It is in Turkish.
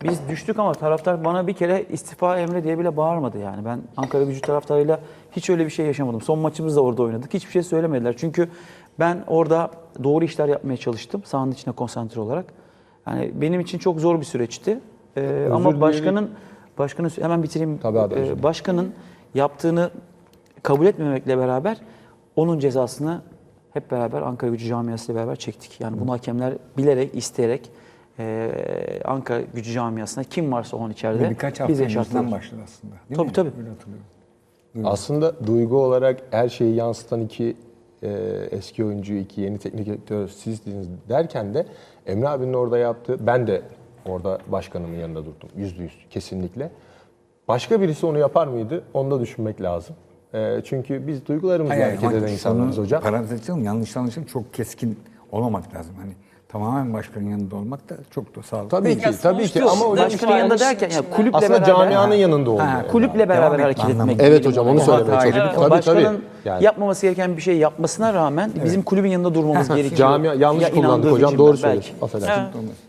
Biz düştük ama taraftar bana bir kere istifa Emre diye bile bağırmadı yani. Ben Ankaragücü taraftarıyla hiç öyle bir şey yaşamadım. Son maçımızda orada oynadık. Hiçbir şey söylemediler. Çünkü ben orada doğru işler yapmaya çalıştım. Sahanın içine konsantre olarak. Yani benim için çok zor bir süreçti. Ama başkanın hemen bitireyim. Tabii abi, özür dilerim. Başkanın yaptığını kabul etmemekle beraber onun cezasını hep beraber Ankaragücü camiasıyla beraber çektik. Yani bunu hakemler bilerek, isteyerek Ankaragücü camiasına kim varsa onun içeride Ve birkaç hafta bize öncesinden yaşattılar. başladı aslında. Değil Tabii mi? tabii. Öyle hatırlıyorum. Aslında duygu olarak her şeyi yansıtan iki eski oyuncu, iki yeni teknik direktör sizdiniz derken de Emre abinin orada yaptığı, ben de orada başkanımın yanında durdum. %100 kesinlikle. Başka birisi onu yapar mıydı? Onu da düşünmek lazım. Çünkü biz duygularımızla hareket eden insanlarız hocam. Parantez açalım, yanlış anlaşılma, çok keskin olmamak lazım. Hani tamamen başkanın yanında olmak da çok da sağlıklı. Tabii ki, tabii ki. Yok, Ama hocam başkanın yanında derken ya kulüple aslında beraber, camianın yanında oluyor. yani. kulüple beraber Devam hareket etme etmek. anlamında. Evet hocam, onu söylemeye Hatayla çalışıyorum. Evet, Tabii, başkanın tabii. Yani. yapmaması gereken bir şey yapmasına rağmen bizim kulübün yanında durmamız gerekiyor. Camia yanlış Ya kullandık inandığı hocam, için doğru belki. söylüyorsun. Affedersin. Olmaz.